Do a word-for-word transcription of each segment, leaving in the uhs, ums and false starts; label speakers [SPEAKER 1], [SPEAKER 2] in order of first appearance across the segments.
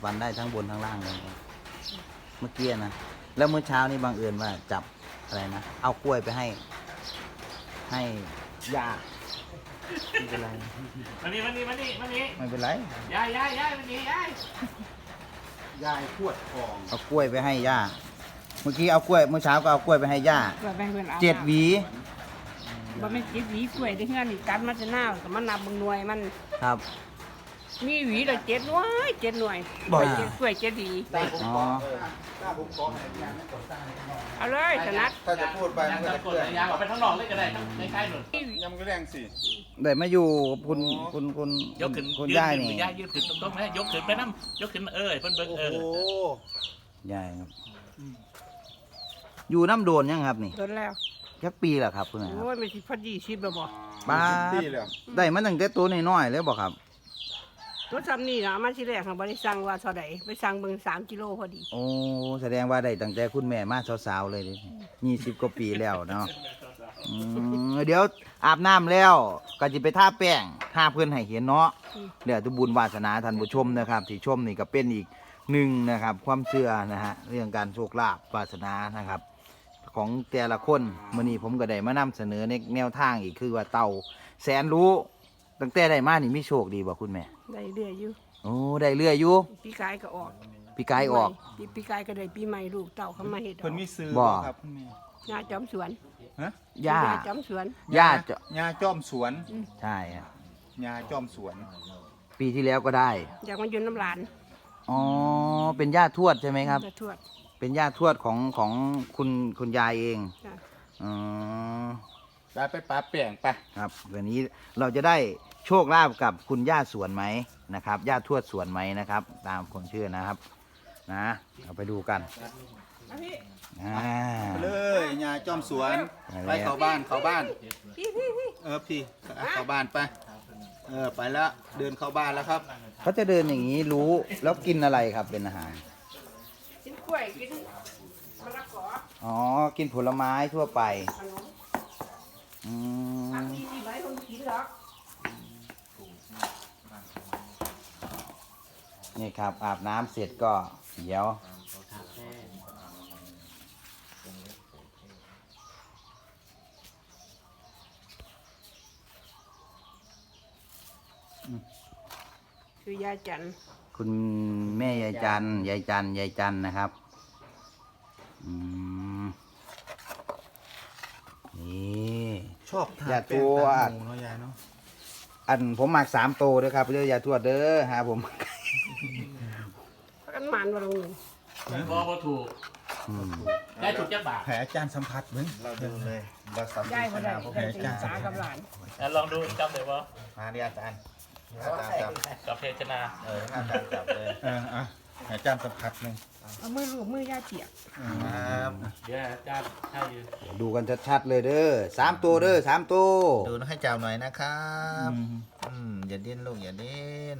[SPEAKER 1] วันได้ทั้งบนทั้งล่างเลยเมื่อกี้นะแล้วเมื่อเช้านี่บังเอิญว่าจับอะไรนะเอากล้วยไปให้ ให้ยาไม่เป็นไร
[SPEAKER 2] มานี่มานี่มานี่มานี่
[SPEAKER 1] ไม่เป็นไร
[SPEAKER 2] ยายยายยายมานี่ยาย
[SPEAKER 3] ยายขวดทอง
[SPEAKER 1] เอากล้วยไปให้ย่าเมื่อกี้เอากล้วยเมื่อเช้าก็เอากล้วยไปให้ย่า
[SPEAKER 4] เพื่อไปเพื่อนเอา
[SPEAKER 1] เจ็ดหวี
[SPEAKER 4] บ่แม่นเจ็ดหวีกล้วยที่เฮือนนี่กันมันจะหน้าก็มันนับเบิ่งหน่วยมัน
[SPEAKER 1] ครับ
[SPEAKER 4] มีหวีละเจ็ดหน่วยเจ็ดหน่วย
[SPEAKER 1] บ่อย
[SPEAKER 4] เจ็ดกล้วยเจ็ดหวี
[SPEAKER 1] อ๋อ
[SPEAKER 3] ถ้าผมขอให้ยายไม่กดสร้าง
[SPEAKER 4] เอาเลยถนัด
[SPEAKER 3] ถ้าจะพูดไปมันก็
[SPEAKER 2] ยาย
[SPEAKER 3] จะ
[SPEAKER 2] ก
[SPEAKER 3] เพื่
[SPEAKER 2] ด
[SPEAKER 3] อน
[SPEAKER 2] ยายออกไปข้างนอกเลยก็ได้ทั้งใกล้ๆหนุน
[SPEAKER 3] ยำก็แรงสิ
[SPEAKER 1] ได้มาอยู่กับคุณคุณคุณ
[SPEAKER 2] ยกขึ้น
[SPEAKER 1] คุณ
[SPEAKER 2] ยืน
[SPEAKER 1] ย่าย
[SPEAKER 2] ขึ้น
[SPEAKER 1] นี่
[SPEAKER 2] ยายยืนขึ้นตรงๆนะยกขึ้นไปน้ำยกขึ้นเออเพิ่นเบิ่ง
[SPEAKER 3] โอ้
[SPEAKER 2] เอ
[SPEAKER 3] โห
[SPEAKER 2] อ
[SPEAKER 1] ย่ายครับ อยู่น้ำโดนยังครับนี่
[SPEAKER 4] โดนแล้ว
[SPEAKER 1] แค่ปีแหละครับคุณนายค
[SPEAKER 4] โอ้
[SPEAKER 1] รับ
[SPEAKER 4] ยไม่สิพอดีสิบแล้วบ่
[SPEAKER 1] ป้า
[SPEAKER 3] ปีแล้ว
[SPEAKER 1] ได้มาตั้งแต่ตัวน้อยๆเลยบอกครับ
[SPEAKER 4] รถซ้ำนี่นะมันสิแรกของบ่ได้สั่งว่าเท่าใดไปสั่งเบิ่งสามกิโลพอดี
[SPEAKER 1] โอ้แสดงว่าได้ตั้งแต่คุณแม่มาสาวๆเลยดิยี่สิบกว่าปีแล้วเนาะอืมเดี๋ยวอาบน้ำแล้วก็จะไปท่าแป้งท่าเพื่อนให้เห็นเนาะเดี๋ยวทุบุญวาสนาท่านผู้ชมนะครับที่ชมนี่ก็เป็นอีกหนึ่งนะครับ ความเชื่อนะฮะเรื่องการโชคลาภวาสนานะครับ ของแต่ละคนมื่อนี้ผมก็ได้มานำเสนอในแนวทางอีกคือว่าเต่าแสนรู้ตั้งแต่ได้มานี่มีโชคดีบ่คุณแม่
[SPEAKER 4] ได้เรื่อยอยู่
[SPEAKER 1] โอ้ได้เรื่อยอยู่
[SPEAKER 4] ปีกายก็ออก
[SPEAKER 1] ปีกายออก
[SPEAKER 4] ปีปีกายก็ได้ปีใหม่ลูกเต่าเข้ามาเฮ็ด
[SPEAKER 3] เพิ่นมีซื้อ
[SPEAKER 1] บ่
[SPEAKER 3] ครับคุณแม่
[SPEAKER 4] งาจอมสวน
[SPEAKER 3] ฮะ
[SPEAKER 1] ย่า
[SPEAKER 4] จอมสวน
[SPEAKER 1] ย่าจะ
[SPEAKER 3] ยาจ้อมสวน
[SPEAKER 1] ใช่ครับ
[SPEAKER 3] ยาจ้อมสวน
[SPEAKER 1] ปีที่แล้วก็ได้
[SPEAKER 4] อยากมาอยู่น้ำหลาน
[SPEAKER 1] อ๋อ เป็นย่าทวดใช่ไหมครับ
[SPEAKER 4] จะทวด
[SPEAKER 1] เป็นย่าทวดของของคุณคุณยายเอง
[SPEAKER 4] จ้ะ
[SPEAKER 1] อ๋อ
[SPEAKER 3] ไปไปปลาแป้งไป
[SPEAKER 1] ครับวันนี้เราจะได้โชคลาภกับคุณย่าสวนไหมนะครับ ย่าทวดสวนไหมนะครับ ตามคนเชื่อนะครับ นะเราไปดูกันอ่า
[SPEAKER 3] ไปเลยยาจ้อมสวน ไปเข้าบ้านเข้าบ้าน
[SPEAKER 4] พี่พี่พี่
[SPEAKER 3] เออพี่เข้าบ้านไป เออไปแล้วเดินเข้าบ้านแล้วครับ
[SPEAKER 1] เขาจะเดินอย่างนี้รู้แล้วกินอะไรครับเป็นอาหาร
[SPEAKER 4] กินกล้วยกินมะละกอ
[SPEAKER 1] อ๋อ กินผลไม้ทั่วไป
[SPEAKER 4] ขนม
[SPEAKER 1] อืม
[SPEAKER 4] ทำดีดีไหมคนกินหรอก
[SPEAKER 1] นี่ครับอาบน้ำเสร็จก็เดี๋ยว
[SPEAKER 4] คือยาจันทร์
[SPEAKER 1] คุณแม่ยายจันยายจันยายจันนะครับอืมนี่
[SPEAKER 3] ชอบทาน
[SPEAKER 1] ยา
[SPEAKER 3] แป้
[SPEAKER 1] ท
[SPEAKER 3] ง
[SPEAKER 1] ว
[SPEAKER 3] ตา
[SPEAKER 1] ด
[SPEAKER 3] หมูเนาะยายเนาะ
[SPEAKER 1] อันผมหมักสามโตเด้อครับเรื่องยาทวดเด้อฮะผม
[SPEAKER 4] พักกันหมันมาลงหนึ่ง
[SPEAKER 2] บ่บ่ถูก
[SPEAKER 1] อืม
[SPEAKER 2] ได้ถูกจักบาท
[SPEAKER 3] แผลอาจารย์สัมผัสเหมือนเราดูเลยเราสัมผั
[SPEAKER 4] ได้
[SPEAKER 3] ส
[SPEAKER 4] บ่ได้
[SPEAKER 3] ผม
[SPEAKER 4] ได้
[SPEAKER 3] แผลอา
[SPEAKER 4] ศึ
[SPEAKER 3] จาก รย์สัม
[SPEAKER 4] ษา
[SPEAKER 3] ผั
[SPEAKER 4] กับ
[SPEAKER 3] ส
[SPEAKER 4] หลาน
[SPEAKER 2] อ่ะลองดูจำได้บ่
[SPEAKER 3] มาดิอาจารย์อาจารย์จับ
[SPEAKER 2] กับเพชนา
[SPEAKER 3] เอออาจารย์จับเลยเอออ่ะให้อาจารย์สัมผัสหนึ่ง
[SPEAKER 4] เอามือลูบมือยาเปียก
[SPEAKER 3] ครับ
[SPEAKER 2] เดี๋ยวอาจารย์ให้อยู่
[SPEAKER 1] ดูกันชัดๆเลยเด้อสามตัวเด้อสามตัว
[SPEAKER 3] ดูให้จับหน่อยนะครับอืมอย่าดิ้นลูกอย่าดิ้น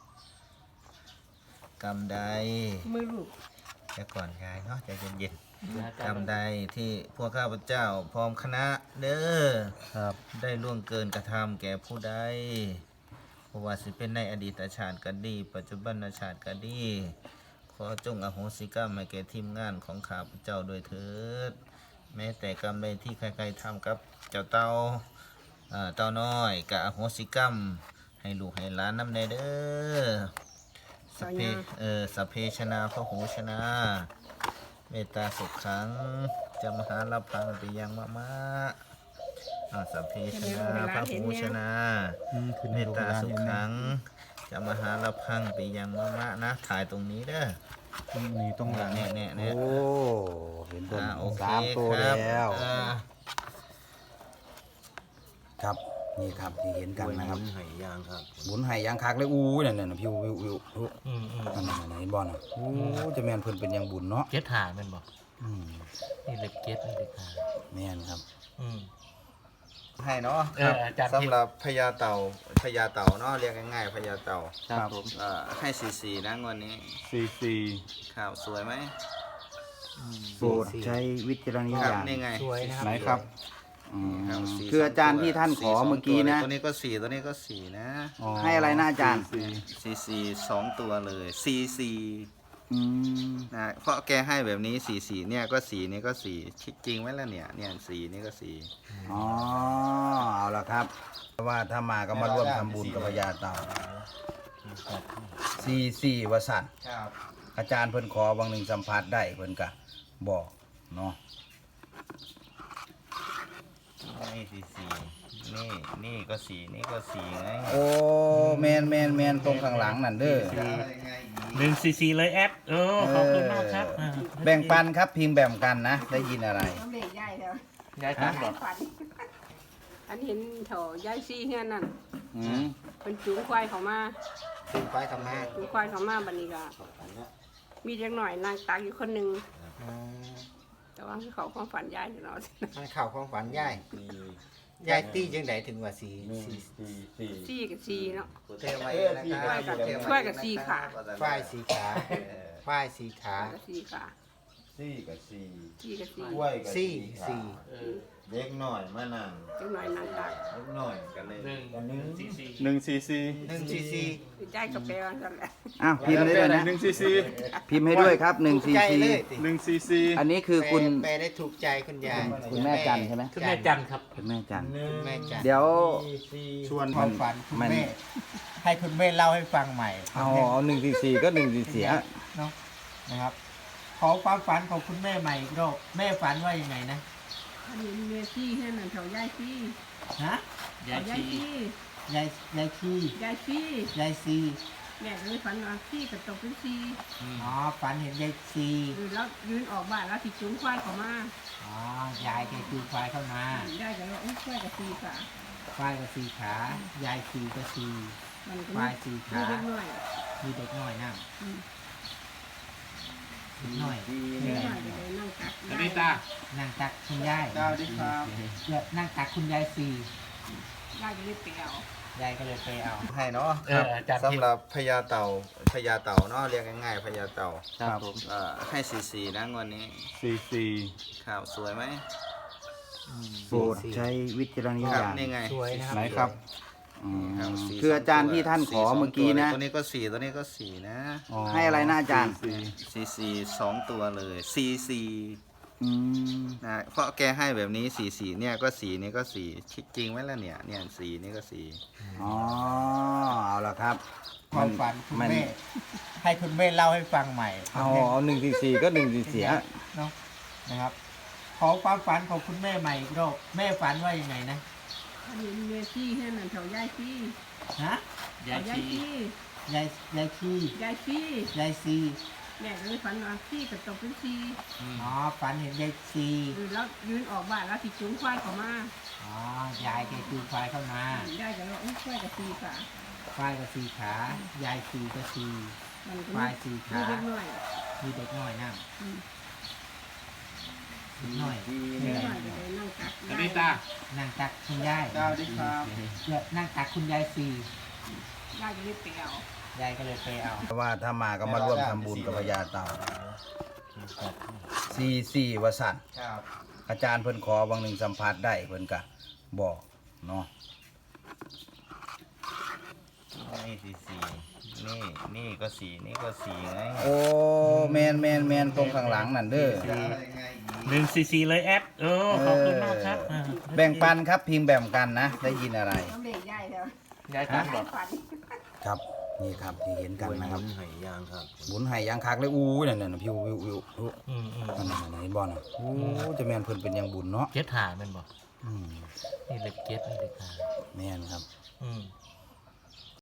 [SPEAKER 3] กำใด
[SPEAKER 4] มือลูบ
[SPEAKER 3] เดี๋ยวก่อนยายเนาะใจเย็น
[SPEAKER 2] เดี๋ยวอา
[SPEAKER 3] ๆ
[SPEAKER 2] จารย์
[SPEAKER 3] กำใดที่พวกข้าพเจ้าพร้อมคณะเด้อ
[SPEAKER 1] ครับ
[SPEAKER 3] ได้ล่วงเกินกระทำแก่ผู้ใดเพราะว่าสิเป็นในอดีตชาติก็ดี ปัจจุบันชาติก็ดี ขอจงอโหสิกรรมให้แก่ทีมงานของข้าพเจ้าโดวยเถิด แม้แต่กรรมใดที่ใครๆทำกับเจ้าเต่าอ่าเต่าน้อยกับอโหสิกรรม ให้ลูกให้หลานน้ำในเด้อสัพเพเออสัพเพชนาพระหูชนะ เมตตาสุขขังจะมหาลาพังปิยังมะมะอ่าสัพเพชนาพระหูชนะเมตตาสุขขังจะมหาลาพังปิยังมะมะนะถ่ายตรงนี้เด้อ
[SPEAKER 5] ตรงนี้ตรงหลัง
[SPEAKER 3] เนี่ยเนี่ย
[SPEAKER 1] โอ้
[SPEAKER 3] เนี่ย
[SPEAKER 1] เห็นตัว
[SPEAKER 3] อ่าโอเค
[SPEAKER 1] สามตัว
[SPEAKER 3] ครับ
[SPEAKER 1] แล้ว
[SPEAKER 3] อ่า
[SPEAKER 1] ครับนี่ครับที่เห็นกันนะครับ
[SPEAKER 5] ไหยางครับ
[SPEAKER 1] หมุนไห่ยางคักเลยอู้นั่นน่ะพิวพิวพิวพิว
[SPEAKER 2] อืมอืม
[SPEAKER 1] นั่นน่ะเห็นบอลอ่ะโอ้จะแมนเพิ่นเป็นอยังบุญเนาะ
[SPEAKER 2] เก็ตหาแม่นบ่
[SPEAKER 1] อืม
[SPEAKER 2] นี่เล็กเก็ตนี่เล็กหา
[SPEAKER 1] แม่นครับ
[SPEAKER 2] อืม
[SPEAKER 3] ให้เนาะ
[SPEAKER 2] เอออาจารย์
[SPEAKER 3] สำหรับพญาเต่าพญาเต่าเนาะเรียกง่ายๆพญาเต่า
[SPEAKER 2] ครับผม
[SPEAKER 3] อ่าให้สี่สี่นะงวันนี้
[SPEAKER 5] สี่สี่
[SPEAKER 3] ข่าวสวยไหม
[SPEAKER 1] โปรดใช้วิจารณ
[SPEAKER 3] ครับ
[SPEAKER 1] ญาณ
[SPEAKER 3] นี่ไง
[SPEAKER 5] ไหนครับ
[SPEAKER 1] ออืม
[SPEAKER 3] ครับสี่
[SPEAKER 1] คืออาจารย์ที่ท่านขอ
[SPEAKER 3] สี่สง
[SPEAKER 1] เมื่อกี้นะ
[SPEAKER 3] ตัวตัวนี้ก็สี่ตัวนี้ก็สี่นะ
[SPEAKER 1] ให้อะไรนะอาจารย์
[SPEAKER 5] สี่
[SPEAKER 3] สี่สี่สองตัวเลยสี่สี่
[SPEAKER 1] อืม
[SPEAKER 3] นะเพราะแกให้แบบนี้สี่สี่เนี่ยก็สี่นี่ก็สี่จริงไหมล่ะเนี่ยเนี่ยสี่นี่ก็สี่
[SPEAKER 1] อ๋อเอาละครับว่าถ้ามาก็มาร่วมทำบุญกับพญาเต่าสี่สี่วสันต์
[SPEAKER 3] ครับ
[SPEAKER 1] อาจารย์เพิ่นขอบางหนึ่งสัมผัสได้เพิ่นก็บอกเนาะ
[SPEAKER 3] นี่สี่สี่นี่นี่ก็สี่นี่ก็สี่ไง
[SPEAKER 1] โอ้แมนแมนแมนตรงข้างหลังนั่นเด้อ
[SPEAKER 2] หนึ่งซีซีเลยแอดเออขอบคุณมากครับอ่า
[SPEAKER 1] แบ่งปันครับพิมพ์แบ่งกันนะ ได้ยินอะไร
[SPEAKER 4] น้ำเล็กใหญ่แล้ว
[SPEAKER 2] ยายตั้งบอก
[SPEAKER 4] ฝันอันเห็นเถอยายซี่เฮือนนั่น
[SPEAKER 1] อืม
[SPEAKER 4] เป็นจูงควายเขามา
[SPEAKER 3] ถึงไปทำมา
[SPEAKER 4] จูงควายเขามาบัดนี้ก็มีเด็กหน่อยนางตักอยู่คนหนึงแต่ว่าคือเขาความฝันยายเนาะ
[SPEAKER 6] มันข่าวความฝันยายยายตี้จังไดถึงว่าสีสี
[SPEAKER 4] ซี่กับซี่เนาะ
[SPEAKER 3] เทไว้นะค
[SPEAKER 4] ช่
[SPEAKER 3] รั
[SPEAKER 4] วย
[SPEAKER 3] บ
[SPEAKER 4] กับช่วยกับซี่ขา
[SPEAKER 6] ฝ้ายสีขาฝ้ายสีขา
[SPEAKER 4] กับซี่ขา
[SPEAKER 5] สี่กับสี่
[SPEAKER 4] ซี่กับซี่
[SPEAKER 5] กล้วยกับ
[SPEAKER 6] สี่สี่
[SPEAKER 5] เด็กหน่อยมานั่ง
[SPEAKER 4] เด็กหน่อยนางตัก
[SPEAKER 5] เด็กหน่อย
[SPEAKER 3] กันเลย
[SPEAKER 2] หนึ่ง
[SPEAKER 5] กันหนึ่ง
[SPEAKER 2] ซีซี
[SPEAKER 5] หนึ่งสี่สี่
[SPEAKER 6] หนึ่งสี่สี่
[SPEAKER 4] คือใจกับแปลว่าซั่นแหละ
[SPEAKER 1] อ้าวพิมพ์ให้ด้วยนะ
[SPEAKER 5] หนึ่งสี่สี่
[SPEAKER 1] พิมพ์ให้ด้วยครับหนึ่ง
[SPEAKER 6] ถู
[SPEAKER 1] สี่
[SPEAKER 6] กใจ
[SPEAKER 1] สี่
[SPEAKER 6] เลยติ
[SPEAKER 5] หนึ่งสี่สี่
[SPEAKER 1] อันนี้คือคุณ
[SPEAKER 6] แปลได้ถูกใจคุณยาย
[SPEAKER 1] คุณแม่จันใช่ไหม
[SPEAKER 2] คุณแม่จันครับ
[SPEAKER 1] คุณแม่จัน
[SPEAKER 6] คุณแม่จัน
[SPEAKER 1] เดี๋ยว
[SPEAKER 6] ชวนความฝันคุณ
[SPEAKER 1] มัน
[SPEAKER 6] แม่ให้คุณแม่เล่าให้ฟังใหม่
[SPEAKER 1] เอาเอาหนึ่งสี่สี่ก็หนึ่งสี่สี่
[SPEAKER 6] เนาะนะครับ ขอความฝันของคุณแม่ใหม่อีกรอบแม่ฝันว่ายังไงนะ
[SPEAKER 4] อันนี้เมียซี่เฮือนนั่นเถายายซี่
[SPEAKER 6] ฮะ
[SPEAKER 2] ยาย
[SPEAKER 4] ยาย
[SPEAKER 2] ชี
[SPEAKER 4] ซี่
[SPEAKER 6] ยายยายชี
[SPEAKER 4] ยายซี่
[SPEAKER 6] ยายซี
[SPEAKER 4] แม่ก็เลยฝันว่าซี่กับตกเป็นซี่
[SPEAKER 6] อ๋อฝันเห็นยายซี
[SPEAKER 4] ยืนแล้วยืนออกบ้านแล้วสิจูงควายเขามา
[SPEAKER 6] อ๋อยายแกคือควายเข้ามา
[SPEAKER 4] ได้กันแล้วอุ้ยควายกับซี่ค่ะ
[SPEAKER 6] ควายก็สีขายายซีก็ซี
[SPEAKER 4] มันก็
[SPEAKER 6] ควายสี่ขา
[SPEAKER 4] มีเล็กน้อย
[SPEAKER 6] มีเด็กน้อยนั่ง
[SPEAKER 4] อืม
[SPEAKER 6] เด็กน้อย
[SPEAKER 4] เล็กน้อยก็เลยนั่งตัก
[SPEAKER 2] นาริตา
[SPEAKER 6] นั่งตักคุณยาย
[SPEAKER 5] ดาวดิครับ
[SPEAKER 6] เดี๋ยวนั่งตักคุณยายซี
[SPEAKER 4] ได้ก็เลยเปลี่ยวย
[SPEAKER 6] ายก็เลยไปเอา
[SPEAKER 3] ให้เนาะ
[SPEAKER 2] เอออาจารย์
[SPEAKER 3] สำหรับพญาเต่าพญาเต่าเนาะเรียกง่ายๆพญาเต่า
[SPEAKER 2] ครับผม
[SPEAKER 3] เอ่อให้สี่สี่นะงวดนี้
[SPEAKER 5] สี่สี่
[SPEAKER 3] ข่าวสวยไหม
[SPEAKER 1] โปรดใช้วิจารณ
[SPEAKER 3] ครับ
[SPEAKER 1] ญาณ
[SPEAKER 3] นี่ไง
[SPEAKER 6] สวยนะครับ
[SPEAKER 5] ไหนครับ
[SPEAKER 1] อืม
[SPEAKER 3] ครับสี่
[SPEAKER 1] คืออาจารย์ที่ท่านขอ
[SPEAKER 3] สี่สง
[SPEAKER 1] เมื่อกี้นะ
[SPEAKER 3] ตัวตัวนี้ก็สี่ตัวนี้ก็สี่นะ
[SPEAKER 1] ให้อะไรนะอาจารย์
[SPEAKER 5] สี่
[SPEAKER 3] สี่สี่สองตัวเลยสี่สี่
[SPEAKER 1] อืม
[SPEAKER 3] นะเพราะแกให้แบบนี้สี่สี่เนี่ยก็สี่นี่ก็สี่จริงไหมล่ะเนี่ยเนี่ยสี่นี่ก็สี่
[SPEAKER 1] อ๋อเอาละครับ
[SPEAKER 6] ความฝันคุณ
[SPEAKER 1] มัน
[SPEAKER 6] แม่ให้คุณแม่เล่าให้ฟังใหม่
[SPEAKER 1] เอาเอาหนึ่งสี่สี่ก็หนึ่งสี่สี่
[SPEAKER 6] เนาะนะครับ ขอความฝันของคุณแม่ใหม่อีกรอบแม่ฝันว่ายังไงนะ
[SPEAKER 4] อันนี้เมียซี่เฮือนนั่นเถายายซี่
[SPEAKER 6] ฮะ
[SPEAKER 2] ยาย
[SPEAKER 4] ยาย
[SPEAKER 2] ชี
[SPEAKER 4] ซี่
[SPEAKER 6] ยายยายชี
[SPEAKER 4] ยายซี่
[SPEAKER 6] ยายซี
[SPEAKER 4] แม่ก็เลยฝันว่าซี่กับตกเป็นซี่
[SPEAKER 6] อ๋อฝันเห็นยายซี
[SPEAKER 4] ยืนแล้วยืนออกบ้านแล้วสิจูงควายเขามา
[SPEAKER 6] อ๋อยายแกคือควายเข้ามา
[SPEAKER 4] ได้กันแล้วอุ้ยควายกับซี่ค่ะ
[SPEAKER 6] ควายก็สีขายายซีก็ซี
[SPEAKER 4] มันก็
[SPEAKER 6] ควายสี่ขา
[SPEAKER 4] มีเล็กน้อย
[SPEAKER 6] มีเด็กน้อยนั่ง
[SPEAKER 4] อืม
[SPEAKER 6] เด็กน้อย
[SPEAKER 4] เล็กน้อยก็เลยนั่งตัก
[SPEAKER 2] นาริตา
[SPEAKER 6] นั่งตักคุณยาย
[SPEAKER 5] ดาวดิครับ
[SPEAKER 6] เดี๋ยวนั่งตักคุณยายซี
[SPEAKER 4] ได้ก็เลยเปลี่ยวย
[SPEAKER 6] ายก็เลยไปเอา
[SPEAKER 1] ว่าถ้ามาก็มาร่วมทำบุญกับพญาเต่าสี่สี่วสันต์
[SPEAKER 3] ครับ
[SPEAKER 1] อาจารย์เพิ่นขอบางหนึ่งสัมผัสได้เพิ่นก็บอกเนาะ
[SPEAKER 3] นี่สี่สี่นี่นี่ก็สี่นี่ก็สี่ไง
[SPEAKER 1] โอ้แมนแมนแมนตรงข้างหลังนั่นเด้อ
[SPEAKER 2] หนึ่งซีซีเลยแอดเออขอบคุณมากครับอ่า
[SPEAKER 1] แบ่งปันครับพิมพ์แบ่งกันนะ ได้ยินอะไร
[SPEAKER 4] น้ำเล็กใหญ่แล้ว
[SPEAKER 2] ยายตั้งบอก
[SPEAKER 4] ฝัน
[SPEAKER 1] ครับนี่ครับที่เห็นกันนะครับ
[SPEAKER 5] หายยางครับ
[SPEAKER 1] บุญไห้ยางคักเลยอู้นั่นน่ะพิวพิวพิวพิว
[SPEAKER 2] อืมอืม
[SPEAKER 1] นั่นน่ะนั่นน่ะเห็นบ่น่ะโอ้จะแม่นเพิ่นเป็นหยังบุญเนาะ
[SPEAKER 2] เจ็ดหาแมันบอก
[SPEAKER 1] อืม
[SPEAKER 2] นี่เล็กเจ็ดนี่เล็กหา
[SPEAKER 1] แม่นครับ
[SPEAKER 2] อืม